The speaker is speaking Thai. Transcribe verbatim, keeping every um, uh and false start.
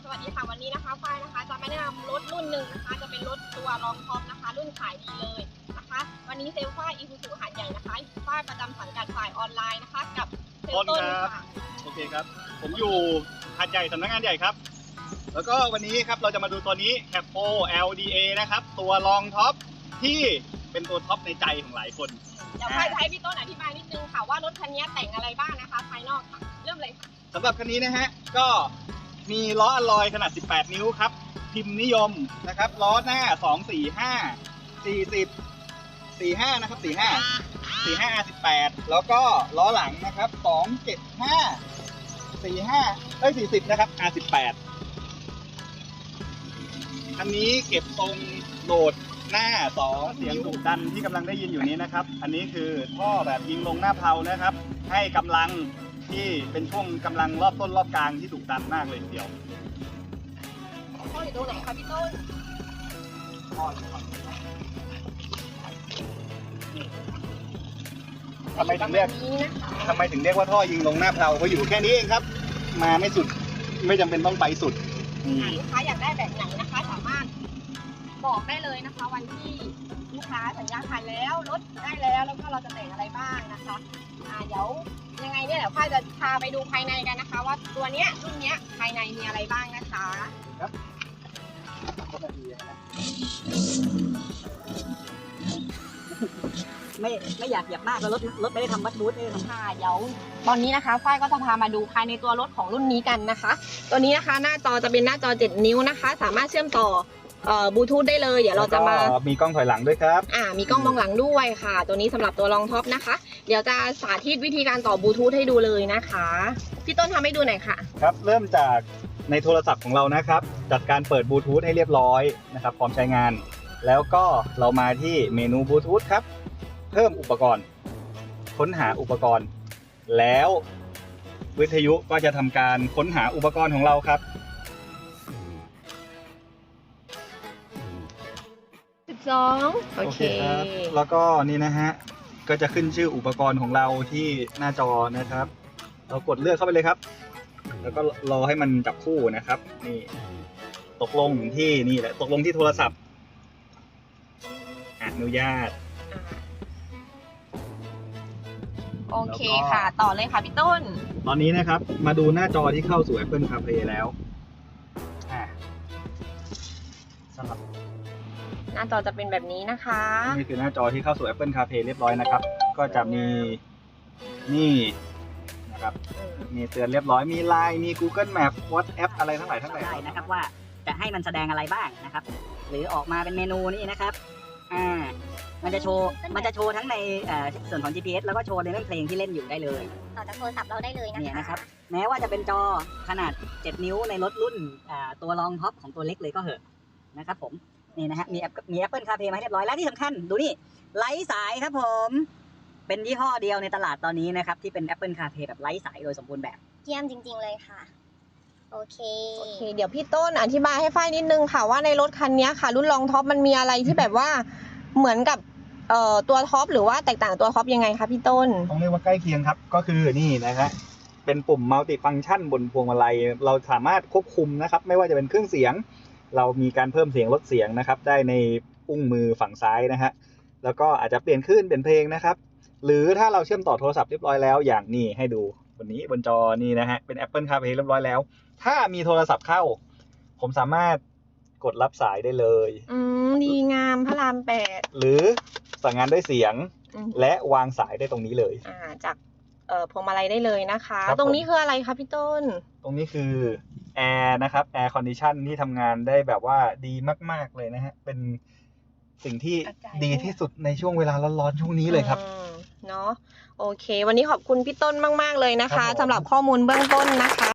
สวัสดีค่ะวันนี้นะคะฝ้ายนะคะจะมาแนะนำรถรุ่นหนึ่งนะคะจะเป็นรถตัวรองท็อปนะคะรุ่นขายดีเลยนะคะวันนี้เซลล์ฝ้ายอีซูซูหาดใหญ่นะคะฝ้ายประจำสังกัดฝ่ายออนไลน์นะคะกับเซลล์ต้นค่ะโอเคครับผมอยู่หาดใหญ่สำนักงานใหญ่ครับแล้วก็วันนี้ครับเราจะมาดูตัวนี้ แคปโฟ แอล ดี เอ นะครับตัวรองท็อปที่เป็นตัวท็อปในใจของหลายคนเดี๋ยวฝ้ายจะให้พี่ต้นอธิบายนิดนึงค่ะว่ารถคันนี้แต่งอะไรบ้างนะคะภายนอกค่ะเริ่มเลยค่ะสำหรับคันนี้นะฮะก็มีล้ออลลอยขนาดสิบแปดนิ้วครับพิมพ์นิยมนะครับล้อหน้าสอง สี่ ห้า สี่สิบ สี่ห้านะครับสี่ห้า สี่ห้า อาร์ สิบแปดแล้วก็ล้อหลังนะครับสอง เจ็ด ห้า สี่ห้าเอ้ยสี่สิบนะครับ อาร์ สิบแปดอันนี้เก็บทรงโหลดหน้าสองเสียงดุดันที่กำลังได้ยินอยู่นี้นะครับอันนี้คือท่อแบบยิงลงหน้าเพลานะครับให้กำลังที่เป็นช่วงกำลังรอบต้นรอบกลางที่ดุดันมากเลยทีเดียวท่ออยู่ตรงไหนคะพี่ต้นท่ออยู่ฝั่งนี้ทำไมถึงเรียกทำไมถึงเรียกว่าท่อยิงลงหน้าเพลาเขาอยู่แค่นี้เองครับมาไม่สุดไม่จำเป็นต้องไปสุดลูกค้าอยากได้แบบไหนนะคะสามารถบอกได้เลยนะคะวันที่ลูกค้าสัญญาขายแล้วรถได้แล้วแล้วก็เราจะแต่งอะไรบ้างนะคะอ่าเดี๋ยวยังไงเนี่ยเดี๋ยวฝ้ายจะพาไปดูภายในกันนะคะว่าตัวเนี้ยรุ่นเนี้ยภายในมีอะไรบ้างนะคะครับไม่ไม่อยากเหยียบมากแล้วรถรถไม่ได้ทำวัดบูธไม่ได้ทำค่ะเดี๋ยวตอนนี้นะคะฝ้ายก็จะพามาดูภายในตัวรถของรุ่นนี้กันนะคะตัวนี้นะคะหน้าจอจะเป็นหน้าจอเจ็ดนิ้วนะคะสามารถเชื่อมต่อบลูทูธได้เลยเดี๋ยวเราจะมามีกล้องถอยหลังด้วยครับอ่ามีกล้องมองหลังด้วยค่ะตัวนี้สำหรับตัวรองท็อปนะคะเดี๋ยวจะสาธิตวิธีการต่อบลูทูธให้ดูเลยนะคะพี่ต้นทำให้ดูหน่อยค่ะครับเริ่มจากในโทรศัพท์ของเรานะครับจัดการเปิดบลูทูธให้เรียบร้อยนะครับพร้อมใช้งานแล้วก็เรามาที่เมนูบลูทูธครับเพิ่มอุปกรณ์ค้นหาอุปกรณ์แล้ววิทยุก็จะทำการค้นหาอุปกรณ์ของเราครับสิบสองโอเคครับแล้วก็นี่นะฮะก็จะขึ้นชื่ออุปกรณ์ของเราที่หน้าจอนะครับเรากดเลือกเข้าไปเลยครับแล้วก็รอให้มันจับคู่นะครับนี่ตกลงที่นี่แหละตกลงที่โทรศัพท์อนุญาตโอเคค่ะต่อเลยค่ะพี่ต้นตอนนี้นะครับมาดูหน้าจอที่เข้าสู่ Apple CarPlay แล้วอ่าสำหรับหน้าจอจะเป็นแบบนี้นะคะนี่คือหน้าจอที่เข้าสู่ Apple CarPlay เรียบร้อยนะครับก็จะมีนี่นะครับมีเตือนเรียบร้อยมี ไลน์ มี Google Map WhatsApp อะไรทั้งหลายทั้งหลายได้นะครับว่าจะให้มันแสดงอะไรบ้างนะครับหรือออกมาเป็นเมนูนี่นะครับอ่ามันจะโชว์มันจะโชว์ทั้งในส่วนของ จี พี เอส แล้วก็โชว์ในเรื่องเพลงที่เล่นอยู่ได้เลยต่อจากโทรศัพท์เราได้เลยนะคะเนี่ยนะครับแม้ว่าจะเป็นจอขนาดเจ็ดนิ้วในรถรุ่นตัวรองท็อปของตัวเล็กเลยก็เหอะนะครับผมนี่นะฮะมีมี Apple CarPlay มาให้เรียบร้อยแล้วที่สำคัญดูนี่ไร้สายครับผมเป็นยี่ห้อเดียวในตลาดตอนนี้นะครับที่เป็น Apple CarPlay แบบไร้สายโดยสมบูรณ์แบบเยี่ยมจริงๆเลยค่ะโอเคโอเคเดี๋ยวพี่ต้นอธิบายให้ฝ้ายนิดนึงค่ะว่าในรถคันนี้ค่ะรุ่นรองท็อปมันมีอะไรที่แบบว่าเหมือนกับเอ่อตัวท็อปหรือว่าแตกต่างตัวท็อปยังไงคะพี่ต้นต้องเรียกว่าใกล้เคียงครับก็คือนี่นะฮะเป็นปุ่มมัลติฟังก์ชันบนพวงมาลัยเราสามารถควบคุมนะครับไม่ว่าจะเป็นเครื่องเสียงเรามีการเพิ่มเสียงลดเสียงนะครับได้ในอุ้งมือฝั่งซ้ายนะฮะแล้วก็อาจจะเปลี่ยนคลื่นเปลี่ยนเพลงนะครับหรือถ้าเราเชื่อมต่อโทรศัพท์เรียบร้อยแล้วอย่างนี้ให้ดูบนนี้บนจอนี่นะฮะเป็น Apple CarPlay เรียบร้อยแล้วถ้ามีโทรศัพท์เข้าผมสามารถกดรับสายได้เลยอืมดีงามพระรามแปดหรือสั่งงานด้วยเสียงและวางสายได้ตรงนี้เลยอ่าจากเอ่อพวงมาลัยได้เลยนะคะตรงนี้คืออะไรคะพี่ต้นตรงนี้คือแอร์นะครับแอร์คอนดิชันที่ทำงานได้แบบว่าดีมากๆเลยนะฮะเป็นสิ่งที่ดีที่สุดในช่วงเวลาร้อนๆช่วงนี้เลยครับเนาะโอเควันนี้ขอบคุณพี่ต้นมากๆเลยนะคะสำหรับข้อมูลเบื้องต้นนะคะ